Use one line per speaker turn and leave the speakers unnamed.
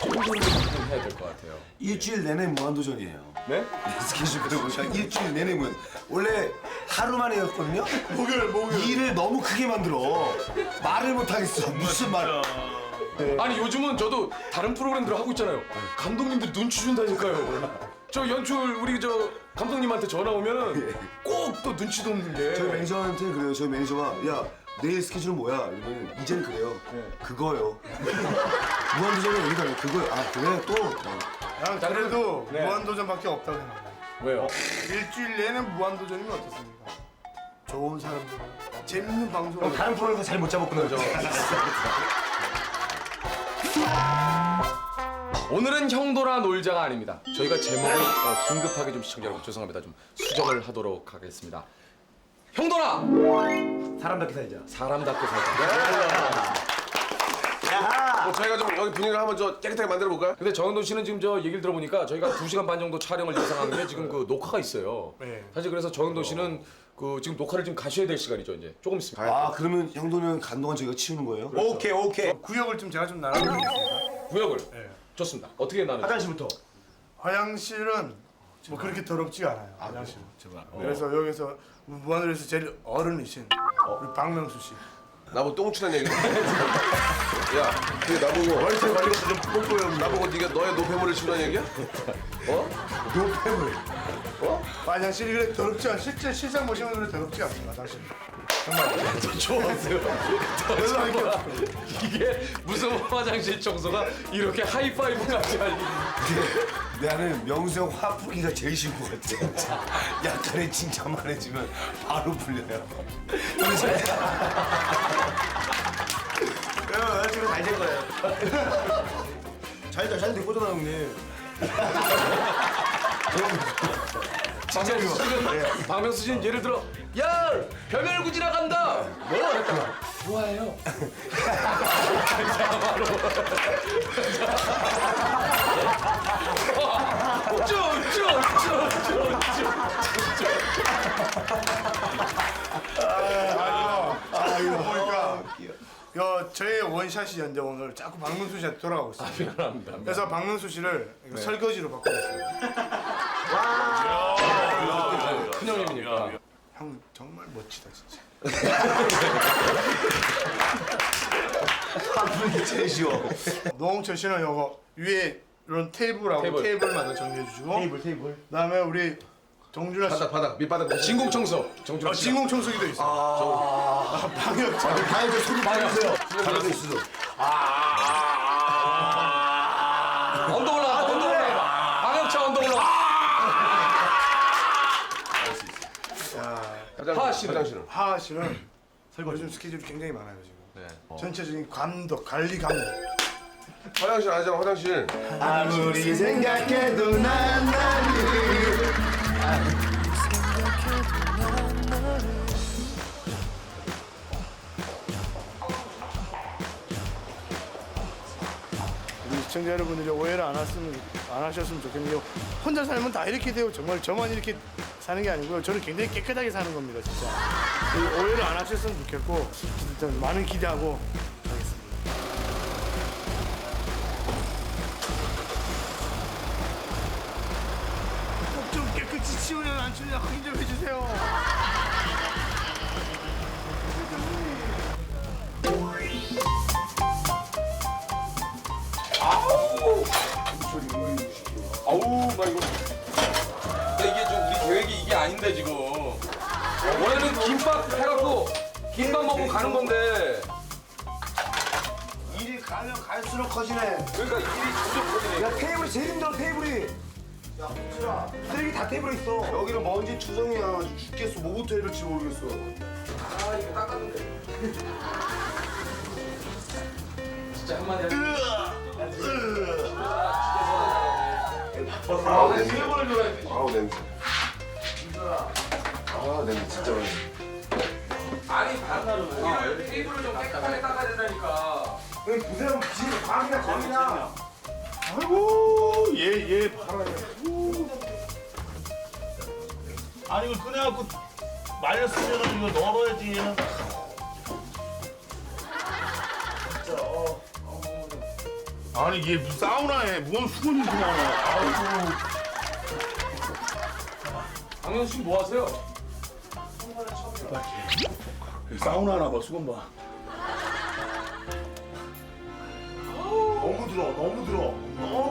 청소를 좀 해야 될 것 같아요.
일주일 내내 무한도전이에요.
네?
스케줄표 보니까 일주일 내내 무한. 원래 하루 만에였거든요. 목요일. 일을 너무 크게 만들어. 말을 못 하겠어. 무슨 말?
아니 요즘은 저도 다른 프로그램들 하고 있잖아요. 감독님들 눈치 준다니까요. 저 연출 우리 저 감독님한테 전화 오면은 꼭 또 눈치도 없는 게.
저희 매니저한테 그래요. 저희 매니저가 야 내일 스케줄은 뭐야? 이러면 이젠 그래요. 그거요. 무한도전이 여기다 왜 그거요? 아 그래 또.
난 그래도
네.
무한도전밖에 없다고 생각해요.
왜요?
일주일 내내 무한도전이면 어떻습니까? 좋은 사람들, 재밌는 방송.
다른 프로에서 잘 못 잡았구나. 그죠?
오늘은 형도라 놀자가 아닙니다. 저희가 제목을 긴급하게 좀 시청자 여러분 죄송합니다. 좀 수정을 하도록 하겠습니다. 형도라!
사람답게 살자.
사람답게 살자.
저희가 좀 여기 분위기를 한번 저 깨끗하게 만들어 볼까요?
근데 정현돈 씨는 지금 저 얘기를 들어보니까 저희가 2시간 반 정도 촬영을 예상한 게 지금 그 녹화가 있어요.
네.
사실 그래서 정현돈 씨는 그 지금 녹화를 지금 가셔야 될 시간이죠 이제 조금 있으면.
아 그러면 형도는 간동안 저희가 치우는 거예요?
오케이.
구역을 좀 제가 좀 나눠드리겠습니다.
구역을.
네.
좋습니다. 어떻게 나누죠?
화장실부터.
화장실은 뭐 그렇게 더럽지가 않아요. 화장실은. 그래서 여기서 무한도전에서 제일 어른이신 우리 박명수 씨.
나보고 똥치는 얘기. 야, 그게 나보고
월세 관리가서 좀 뽀뽀요.
나보고 네가 너의 노폐물을 치우라는 얘기야?
노폐물.
화장실이 그래 더럽지 않아. 실제 실상 보시면 그래 더럽지 않습니다. 화장실.
좋았어요. 이게 무슨 화장실 청소가 이렇게 하이파이브까지 할 일이.
나는 명수 형 화풀이가 제일 쉬운 것 같아. 진짜. 약간의 칭찬만 해주면 바로 풀려요. 형이 잘. 야, 지금 잘 된 거예요. 잘 된 거잖아, 형님.
박명수 씨는 예를 들어 야 변혈구 지나간다 뭐 했다가 좋아해요.
보니까 저의 원샷이었는데 오늘 자꾸 박명수 씨한테 돌아가고 있어요.
미안합니다.
그래서 박명수 씨를 이거 설거지로 바꿔줬어요.
큰 형님이니까.
형 정말 멋지다 진짜.
화풀이 제일 쉬워.
노홍철 씨는 요거 위에 이런 테이블하고 테이블만 정리해 주시고
테이블.
그다음에 우리 정준하 씨
바닥 밑바닥
진공 청소 정준 씨.
진공 청소기도 있어. 방역
다행히 소리 많이 주세요. 잘하고 있어.
언더 올라가. 방역차 언더 올라가.
화장실은
하하 씨는 요즘 스케줄이 굉장히 많아요 지금. 전체적인 감독 관리 감독.
화장실 아니잖아 화장실.
아무리 생각해도 난 나를.
우리 시청자 여러분들이 오해를 안 하셨으면 좋겠는데요. 혼자 살면 다 이렇게 돼요. 정말 저만 이렇게 사는 게 아니고요. 저는 굉장히 깨끗하게 사는 겁니다, 진짜. 오해를 안 하셨으면 좋겠고 일단 많은 기대하고 하겠습니다. 꼭 좀 깨끗이 치우냐 안 치우냐 확인 좀 해주세요.
아우 나 이거. 근데 이게 좀 우리 계획이 이게 아닌데 지금. 원래는 김밥 해갖고 김밥 먹고 가는 건데.
일이 가면 갈수록 커지네.
그러니까 일이 점점 커지네.
야 테이블이 제일 힘들어 테이블이. 야 홍철아 쓰레기 다 테이블에 있어. 여기는 먼지 투성이야. 죽겠어. 뭐부터 해야 될지 모르겠어.
아 이거 닦았는데. 진짜 한마디 하자.
아우 냄새. 아우 냄새. 아 냄새 진짜 많이.
아니 반나로 테이블을 좀 깨끗하게 닦아야 된다니까.
보세요 귀신이 광이나 거미나.
아이고 얘 봐라. 아니 이걸 꺼내갖고 말렸으면 이거 널어야지 얘는. 아니 얘 무슨 사우나에 무슨 수건이 이렇게 많아. 아이고.
강현 씨 뭐 하세요?
사우나 하나 봐 수건 봐.
너무 들어. 너무 들어. 너무